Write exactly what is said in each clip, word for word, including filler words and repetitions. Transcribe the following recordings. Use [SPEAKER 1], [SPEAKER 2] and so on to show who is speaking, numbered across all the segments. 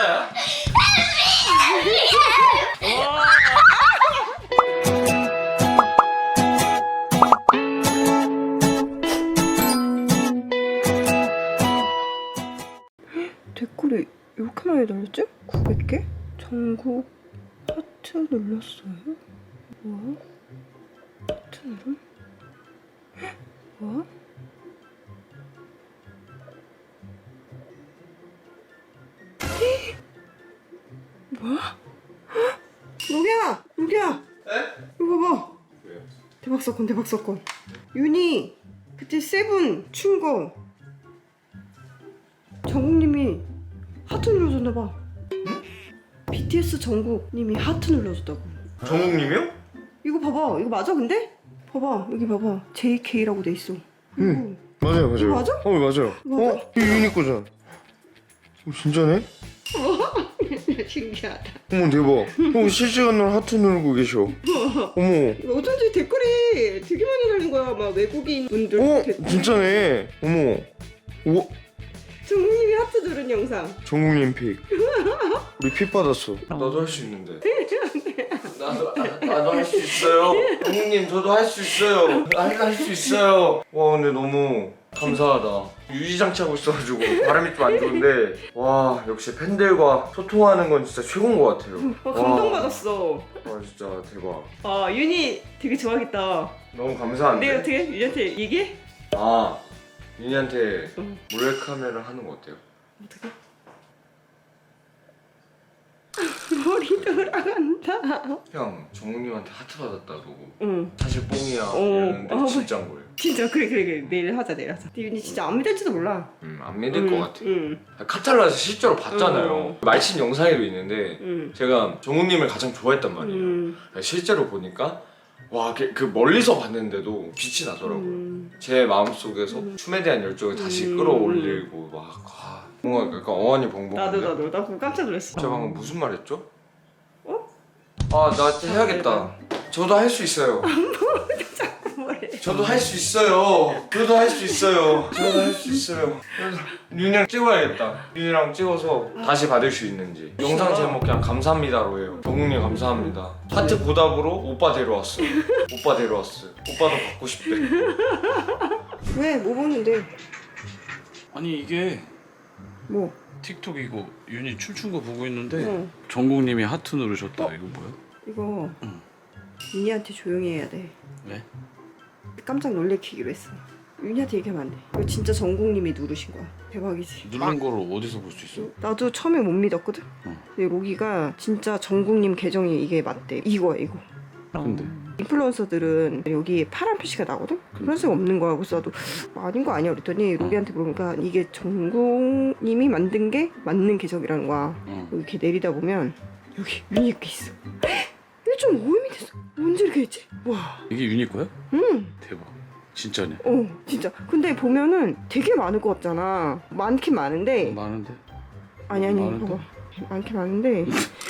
[SPEAKER 1] 진짜야?
[SPEAKER 2] 댓글이 이렇게 많이 달렸지? 구백 개? 전국 하트 눌렀어요? 뭐야? 하트 누름? 뭐야? 뭐야? 로기야! 로기야!
[SPEAKER 1] 네?
[SPEAKER 2] 이거 봐봐.
[SPEAKER 1] 왜요?
[SPEAKER 2] 대박 사건 대박 사건. 윤희 그때 세븐 춘 거 정국님이 하트 눌러줬나봐. 응? 비티에스 정국님이 하트 눌러줬다고.
[SPEAKER 1] 정국님이요?
[SPEAKER 2] 이거 봐봐. 이거 맞아 근데? 봐봐 여기 봐봐 제이케이라고 돼 있어.
[SPEAKER 3] 응 맞아요 맞아요.
[SPEAKER 2] 이거 맞아?
[SPEAKER 3] 어 맞아요.
[SPEAKER 2] 맞아?
[SPEAKER 3] 어? 이거 유니 거잖아. 어, 진짜네?
[SPEAKER 2] 신기하다.
[SPEAKER 3] 어머 대박. 어 실시간으로 하트 누르고 계셔. 어머.
[SPEAKER 2] 이거 어쩐지 댓글이 되게 많이 달린 거야. 막 외국인 분들
[SPEAKER 3] 어
[SPEAKER 2] 댓글.
[SPEAKER 3] 진짜네. 어머. 오
[SPEAKER 2] 정국님이 하트 누른 영상.
[SPEAKER 3] 정국님 픽. 우리 픽 받았어.
[SPEAKER 1] 나도 할 수 있는데. 나도 아, 나도 할 수 있어요. 정국님 저도 할 수 있어요. 할 수 있어요. 와 근데 너무 감사하다. 유지장치하고 있어가지고 바람이 좀 안 좋은데 와 역시 팬들과 소통하는 건 진짜 최고인 것 같아요.
[SPEAKER 2] 어, 감동받았어.
[SPEAKER 1] 와 진짜 대박.
[SPEAKER 2] 아 윤희 되게 좋아하겠다.
[SPEAKER 1] 너무 감사한데.
[SPEAKER 2] 내가 어떻게 윤희한테 얘기해?
[SPEAKER 1] 아 윤희한테
[SPEAKER 2] 응.
[SPEAKER 1] 몰래카메라 하는 거 어때요?
[SPEAKER 2] 어떻게? 머리 돌아간다.
[SPEAKER 1] 형 정국님한테 하트 받았다고.
[SPEAKER 2] 응.
[SPEAKER 1] 사실 뽕이야
[SPEAKER 2] 어.
[SPEAKER 1] 이러는데
[SPEAKER 2] 어.
[SPEAKER 1] 진짜인 거예요.
[SPEAKER 2] 진짜 그래 그래 그래 내일 하자 내일 하자. 근데 윤희 진짜 안 믿을지도 몰라.
[SPEAKER 1] 음, 안 믿을 것 같아.
[SPEAKER 2] 응.
[SPEAKER 1] 카탈라에서 실제로 봤잖아요.
[SPEAKER 2] 어.
[SPEAKER 1] 말친 영상에도 있는데
[SPEAKER 2] 응.
[SPEAKER 1] 제가 정국님을 가장 좋아했단 말이에요.
[SPEAKER 2] 음. 실제로
[SPEAKER 1] 실제로 보니까 와 그 멀리서 봤는데도 빛이 나더라고요.
[SPEAKER 2] 음.
[SPEAKER 1] 제 마음속에서
[SPEAKER 2] 음.
[SPEAKER 1] 춤에 대한 열정을 다시
[SPEAKER 2] 음.
[SPEAKER 1] 끌어올리고 막 아, 뭔가 약간 어안이 벙벙한데.
[SPEAKER 2] 나도 나도 나 그거 깜짝 놀랐어.
[SPEAKER 1] 제가 방금 무슨 말 했죠?
[SPEAKER 2] 어?
[SPEAKER 1] 아 나 해야겠다. 저도 할 수 있어요.
[SPEAKER 2] 뭐래?
[SPEAKER 1] 저도 할 수 있어요. 저도 할 수 있어요. 저도 할 수 있어요. 그래서 윤이랑 찍어야겠다. 윤이랑 찍어서 다시 받을 수 있는지. 영상 제목 그냥 감사합니다로 해요. 정국님 감사합니다. 하트 보답으로 오빠 데려왔어요. 오빠 데려왔어요. 오빠도 받고 싶대.
[SPEAKER 2] 왜? 뭐 보는데?
[SPEAKER 4] 아니 이게
[SPEAKER 2] 뭐?
[SPEAKER 4] 틱톡 이거 윤이 춤춘 거 보고 있는데
[SPEAKER 2] 응.
[SPEAKER 4] 정국님이 하트 누르셨다.
[SPEAKER 2] 어?
[SPEAKER 4] 이거 뭐야?
[SPEAKER 2] 이거
[SPEAKER 4] 응.
[SPEAKER 2] 윤희한테 조용히 해야 돼.
[SPEAKER 4] 왜?
[SPEAKER 2] 깜짝 놀래키기로 했어. 윤희한테 얘기하면 안 돼. 이거 진짜 정국님이 누르신 거야. 대박이지.
[SPEAKER 4] 누른 거를 어디서 볼 수 있어?
[SPEAKER 2] 나도 처음에 못 믿었거든.
[SPEAKER 4] 응.
[SPEAKER 2] 근데 로기가 진짜 정국님 계정이 이게 맞대. 이거야 이거.
[SPEAKER 4] 근데
[SPEAKER 2] 인플루언서들은 여기 파란 표시가 나거든? 그런색 없는 거야. 그래서 나도 아닌 거 아니야 그랬더니 로기한테 물어보니까 이게 정국님이 만든 게 맞는 계정이라는 거야.
[SPEAKER 4] 응.
[SPEAKER 2] 여기 이렇게 내리다 보면 여기 윤희 이렇게 있어. 일 점 오 엠이 됐어. 언제 이렇게 했지? 와.
[SPEAKER 4] 이게 윤이 거야?
[SPEAKER 2] 응.
[SPEAKER 4] 대박. 진짜네.
[SPEAKER 2] 어 진짜. 근데 보면은 되게 많을 것 같잖아. 많긴 많은데
[SPEAKER 4] 많은데?
[SPEAKER 2] 아니 아니
[SPEAKER 4] 많은데?
[SPEAKER 2] 봐봐. 많긴 많은데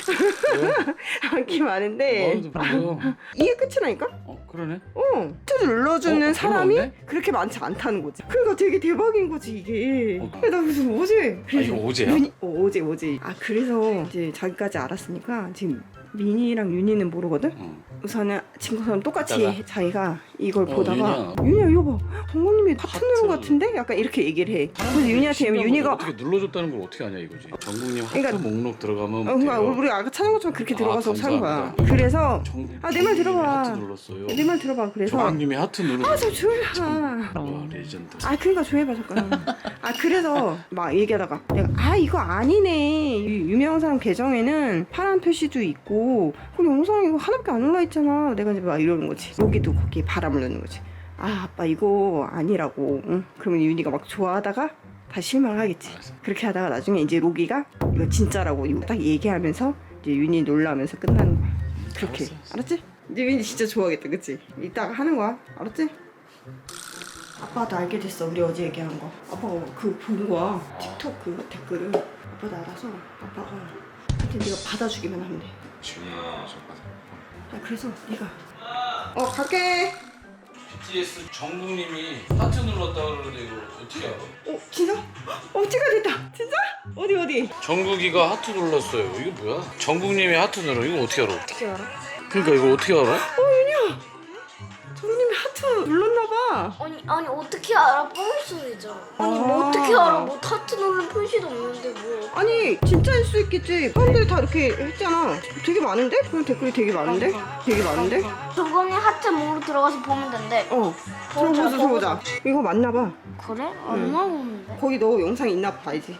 [SPEAKER 2] 많긴 많은데
[SPEAKER 4] 많은데 뭐야?
[SPEAKER 2] 이게 끝이라니까?
[SPEAKER 4] 어 그러네.
[SPEAKER 2] 어, 투 눌러주는
[SPEAKER 4] 어,
[SPEAKER 2] 사람이
[SPEAKER 4] 그러네?
[SPEAKER 2] 그렇게 많지 않다는 거지. 그러니까 되게 대박인 거지 이게.
[SPEAKER 4] 어.
[SPEAKER 2] 나 그래서 어제
[SPEAKER 4] 아 이거 어제야?
[SPEAKER 2] 윤희, 어, 어제 어제. 아 그래서 이제 자기까지 알았으니까 지금 민희랑 윤희는 모르거든.
[SPEAKER 4] 응.
[SPEAKER 2] 우선은 친구처럼 똑같이
[SPEAKER 4] 이따가.
[SPEAKER 2] 자기가 이걸
[SPEAKER 4] 어,
[SPEAKER 2] 보다가
[SPEAKER 4] 윤희야.
[SPEAKER 2] 윤희야 이거 봐. 정국님이 하트
[SPEAKER 4] 하트.
[SPEAKER 2] 누른 것 같은데? 약간 이렇게 얘기를 해. 그래서 윤희한테
[SPEAKER 4] 신기한
[SPEAKER 2] 윤희가
[SPEAKER 4] 거지. 어떻게 눌러줬다는 걸 어떻게 아냐 이거지. 정국님 하트
[SPEAKER 2] 그러니까-
[SPEAKER 4] 목록 들어가면
[SPEAKER 2] 어, 그러니까
[SPEAKER 4] 돼요.
[SPEAKER 2] 우리 아까 찾은 것처럼 그렇게
[SPEAKER 4] 아,
[SPEAKER 2] 들어가서 찾은 거야.
[SPEAKER 4] 감사합니다.
[SPEAKER 2] 그래서
[SPEAKER 4] 정국님이
[SPEAKER 2] 아, 내 말 들어봐.
[SPEAKER 4] 하트 눌렀어요.
[SPEAKER 2] 내 말 들어봐. 그래서
[SPEAKER 4] 정국님이 하트 누르고.
[SPEAKER 2] 아 저 조용히 하.
[SPEAKER 4] 와 레전드.
[SPEAKER 2] 아 그러니까 조용히 봐 잠깐. 아 그래서 막 얘기하다가 내가 아 이거 아니네. 유- 유명한 사람 계정에는 파란 표시도 있고 그럼 영상 이거 하나밖에 안 올라 있잖아. 내가 이제 막 이러는 거지. 여기도 거기에 바람을 넣는 거지. 아 아빠 이거 아니라고. 응? 그러면 윤희가 막 좋아하다가 다시 실망하겠지.
[SPEAKER 4] 알았어.
[SPEAKER 2] 그렇게 하다가 나중에 이제 로기가 이거 진짜라고 이거 딱 얘기하면서 이제 윤희 놀라면서 끝나는 거야. 그렇게.
[SPEAKER 4] 알았어, 알았어.
[SPEAKER 2] 알았지? 이제 윤희 진짜 좋아하겠다, 그치? 이따가 하는 거야, 알았지? 아빠도 알게 됐어, 우리 어제 얘기한 거. 아빠가 그 본 거야, 틱톡 그 댓글을. 아빠도 알아서 아빠가 하여튼 네가 받아주기만 하면 돼.
[SPEAKER 1] 준이 좀 받아.
[SPEAKER 2] 야, 그래서 네가 어 갈게.
[SPEAKER 4] 비티에스 정국님이 하트 눌렀다 그러는데 이거 어떻게 알아?
[SPEAKER 2] 어 진짜? 어 찍어야 됐다. 진짜? 어디 어디?
[SPEAKER 4] 정국이가 하트 눌렀어요. 이거 뭐야? 정국님이 하트 눌러. 이거 어떻게 알아?
[SPEAKER 2] 어떻게 알아?
[SPEAKER 4] 그러니까 이거 어떻게 알아?
[SPEAKER 2] 어 윤희야. 정님이 하트 눌렀나봐.
[SPEAKER 5] 아니 아니 어떻게 알아? 뻥일 수도 있잖아. 아니 뭐
[SPEAKER 2] 아.
[SPEAKER 5] 어떻게 알아? 뭐 타투 누른 표시도 없는데 뭐.
[SPEAKER 2] 아니 진짜일 수 있겠지. 사람들이 다 이렇게 했잖아. 되게 많은데? 그럼 댓글이 되게 많은데? 되게 많은데?
[SPEAKER 5] 저번에 하트 목으로 들어가서 보면 된대.
[SPEAKER 2] 어. 들어보자 들어보자. 이거 맞나봐.
[SPEAKER 5] 그래? 안 나오는데.
[SPEAKER 2] 거기 너 영상 있나 봐야지.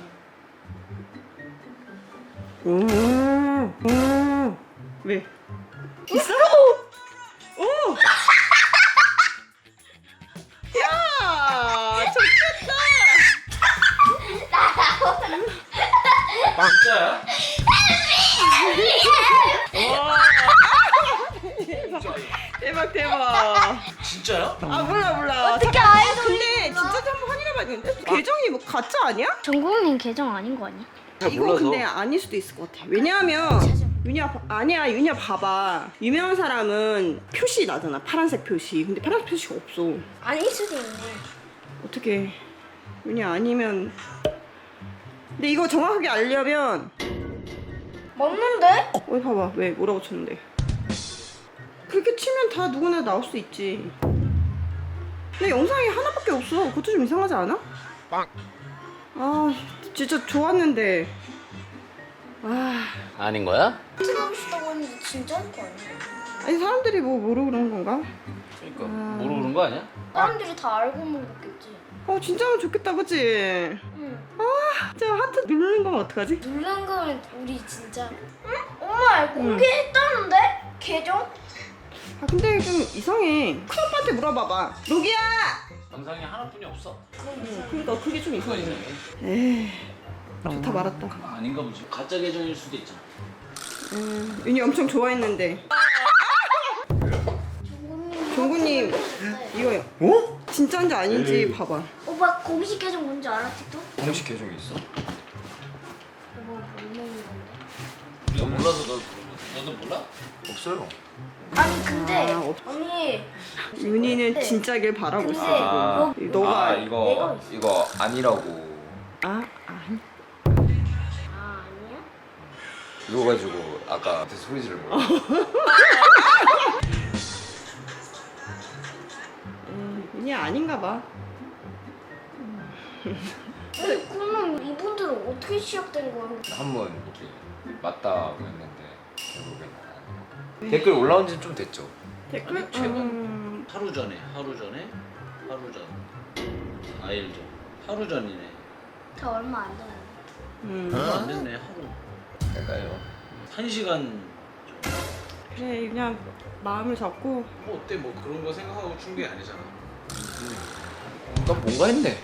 [SPEAKER 2] 음, 음. 왜? 있어? 오! 야! 좋겠다!
[SPEAKER 4] 진짜야?
[SPEAKER 2] 대박 대박.
[SPEAKER 4] 진짜야?
[SPEAKER 2] 아 몰라 몰라.
[SPEAKER 5] 어떻게
[SPEAKER 2] 잠깐,
[SPEAKER 5] 아이돌이
[SPEAKER 2] 근데 진짜 한번 확인해봐야겠는데? 계정이 뭐 가짜 아니야?
[SPEAKER 5] 정국님 계정 아닌 거 아니야?
[SPEAKER 4] 잘
[SPEAKER 2] 이거
[SPEAKER 4] 몰라서.
[SPEAKER 2] 근데 아닐 수도 있을 것 같아. 왜냐하면 윤희야 봐- 아니야 윤희야 봐봐. 유명한 사람은 표시 나잖아. 파란색 표시. 근데 파란색 표시가 없어.
[SPEAKER 5] 아닐 수도 있네.
[SPEAKER 2] 어떻게 윤희 아니면 근데 이거 정확하게 알려면
[SPEAKER 5] 맞는데?
[SPEAKER 2] 어디 봐봐. 왜 뭐라고 쳤는데 그렇게 치면 다 누구나 나올 수 있지. 근데 영상이 하나밖에 없어. 그것도 좀 이상하지 않아?
[SPEAKER 3] 빵.
[SPEAKER 2] 아 진짜 좋았는데 아
[SPEAKER 4] 아닌 거야?
[SPEAKER 5] 하트 누르시다고 했는데 진짜일 거 아니야?
[SPEAKER 2] 아니 사람들이 뭐 모르고 그런 건가?
[SPEAKER 4] 그러니까
[SPEAKER 2] 아.
[SPEAKER 4] 모르고 그런 거 아니야?
[SPEAKER 5] 사람들이 다 알고 모르겠지.
[SPEAKER 2] 어 진짜면 좋겠다 그치?
[SPEAKER 5] 응.
[SPEAKER 2] 진짜 하트 누르는 건 어떡하지?
[SPEAKER 5] 누른 거면 우리 진짜. 응? 엄마 공개했다는데? 계정?
[SPEAKER 2] 아 근데 좀 이상해. 큰오빠한테 물어봐봐. 로기야!
[SPEAKER 4] 영상이 하나뿐이 없어.
[SPEAKER 2] 응, 그러니까 그게 좀
[SPEAKER 4] 그거
[SPEAKER 2] 이상해.
[SPEAKER 4] 이상해.
[SPEAKER 2] 에이 좋다 말았다.
[SPEAKER 4] 아닌가 보지. 가짜 계정일 수도 있잖아.
[SPEAKER 2] 음, 윤희 엄청 좋아했는데
[SPEAKER 5] 정국님.
[SPEAKER 2] 종구님 이거요.
[SPEAKER 3] 어?
[SPEAKER 2] 진짜인지 아닌지 봐봐.
[SPEAKER 5] 오빠 공식 계정 뭔지 알아? 틱톡?
[SPEAKER 1] 공식 계정이 있어?
[SPEAKER 5] 오빠 뭐 먹는 건데?
[SPEAKER 4] 내가 몰라서 너 너도 몰라?
[SPEAKER 1] 없어요.
[SPEAKER 5] 아니 근데
[SPEAKER 2] 아, 없-
[SPEAKER 5] 언니
[SPEAKER 2] 윤희는 진짜길 바라고
[SPEAKER 5] 근데
[SPEAKER 2] 있어
[SPEAKER 5] 아,
[SPEAKER 2] 지금. 너가
[SPEAKER 1] 아
[SPEAKER 5] 내가
[SPEAKER 1] 이거
[SPEAKER 5] 있어.
[SPEAKER 1] 이거 아니라고.
[SPEAKER 2] 아 아니.
[SPEAKER 5] 아 아니야?
[SPEAKER 1] 이거 가지고 아까 앞에 소리 지른 거.
[SPEAKER 2] 음, 윤희 아닌가 봐.
[SPEAKER 5] 아니, 그러면 이분들은 어떻게 시작된 거야?
[SPEAKER 1] 한번 이렇게 맞다고 했는데 결국엔 아니라. 댓글 올라온 지 좀 됐죠.
[SPEAKER 2] 댓글?
[SPEAKER 4] 아니, 최근-
[SPEAKER 2] 음,
[SPEAKER 4] 하루 전에, 하루 전에, 하루 전, 사 일 전, 하루 전이네.
[SPEAKER 5] 다 얼마 안 됐는데.
[SPEAKER 2] 음.
[SPEAKER 4] 얼마 안 됐네 하루.
[SPEAKER 1] 그러니까요.
[SPEAKER 4] 한 시간.
[SPEAKER 2] 그래 그냥 마음을 잡고
[SPEAKER 4] 뭐 어때 뭐 그런 거 생각하고 춘 게 아니잖아.
[SPEAKER 1] 나 뭔가 했네.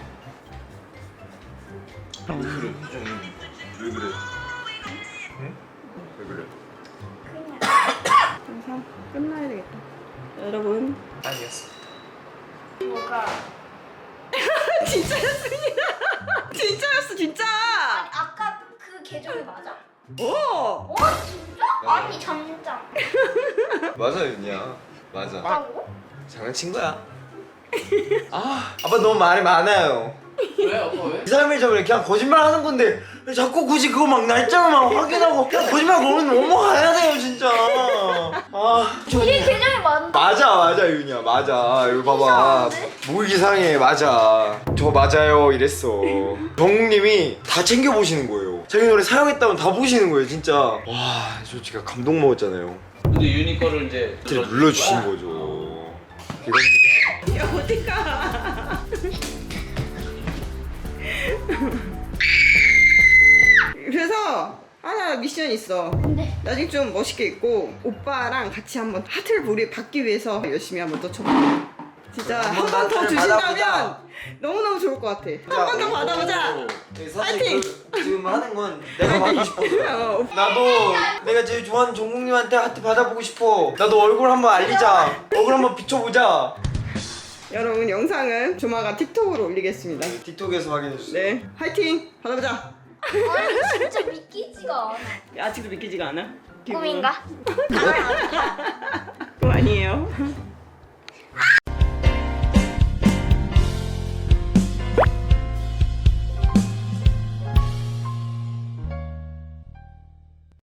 [SPEAKER 4] 왜 그래?
[SPEAKER 1] 왜 그래? 응? 왜 그래?
[SPEAKER 2] 영상 끝나야 되겠다. 여러분
[SPEAKER 1] 아니었어.
[SPEAKER 5] 뭐가?
[SPEAKER 2] 진짜였습니다. 진짜였어 진짜.
[SPEAKER 5] 아까 그 계정이 맞아?
[SPEAKER 2] 오.
[SPEAKER 5] 어 진짜? 아니 잠장.
[SPEAKER 1] 맞아 윤이야. 맞아.
[SPEAKER 5] 맞다고?
[SPEAKER 1] 장난친 거야. 아 아빠 너무 말이 많아요.
[SPEAKER 4] 왜 아빠 왜?
[SPEAKER 1] 이 사람이 저번에 그냥 거짓말 하는 건데 왜 자꾸 굳이 그거 막 날짜를 막 확인하고 그냥 거짓말 그러면 넘어가야 돼요 진짜. 아
[SPEAKER 5] 우리 계정이 맞는다.
[SPEAKER 1] 맞아 맞아 윤이야 맞아. 이거 봐봐.
[SPEAKER 5] 이상한데?
[SPEAKER 1] 뭐 이상해. 맞아. 저 맞아요 이랬어. 정국님이 다 챙겨 보시는 거예요. 자기 노래 사용했다면 다 보시는 거예요 진짜. 와 저 진짜 감동 먹었잖아요.
[SPEAKER 4] 근데 유니 거를 이제
[SPEAKER 1] 이렇게
[SPEAKER 4] 눌러주신
[SPEAKER 1] 눌러주신
[SPEAKER 4] 거야?
[SPEAKER 1] 거죠. 이겁니다.
[SPEAKER 2] 야 어디가? 그래서 하나 미션 있어.
[SPEAKER 5] 근데
[SPEAKER 2] 나중에 좀 멋있게 입고 오빠랑 같이 한번 하트를 우리 받기 위해서 열심히 한번 떠쳐봐. 진짜 한
[SPEAKER 1] 한번
[SPEAKER 2] 번 더
[SPEAKER 1] 하트를
[SPEAKER 2] 주신다면
[SPEAKER 1] 받아보자.
[SPEAKER 2] 너무너무 좋을 것 같아. 한 번 더 받아보자. 파이팅!
[SPEAKER 1] 그, 지금 하는 건 내가 받고 싶어.
[SPEAKER 2] 어,
[SPEAKER 1] 나도 내가 제일 좋아하는 종국님한테 하트 받아보고 싶어. 나도 얼굴 한번 알리자. 얼굴 한번 비춰보자.
[SPEAKER 2] 여러분 영상은 조만간 틱톡으로 올리겠습니다.
[SPEAKER 1] 틱톡에서 확인해주세요.
[SPEAKER 2] 네, 화이팅! 받아보자.
[SPEAKER 5] 아니 진짜 믿기지가 않아.
[SPEAKER 2] 아직도 믿기지가 않아?
[SPEAKER 5] 꿈인가?
[SPEAKER 2] 꿈 아니에요.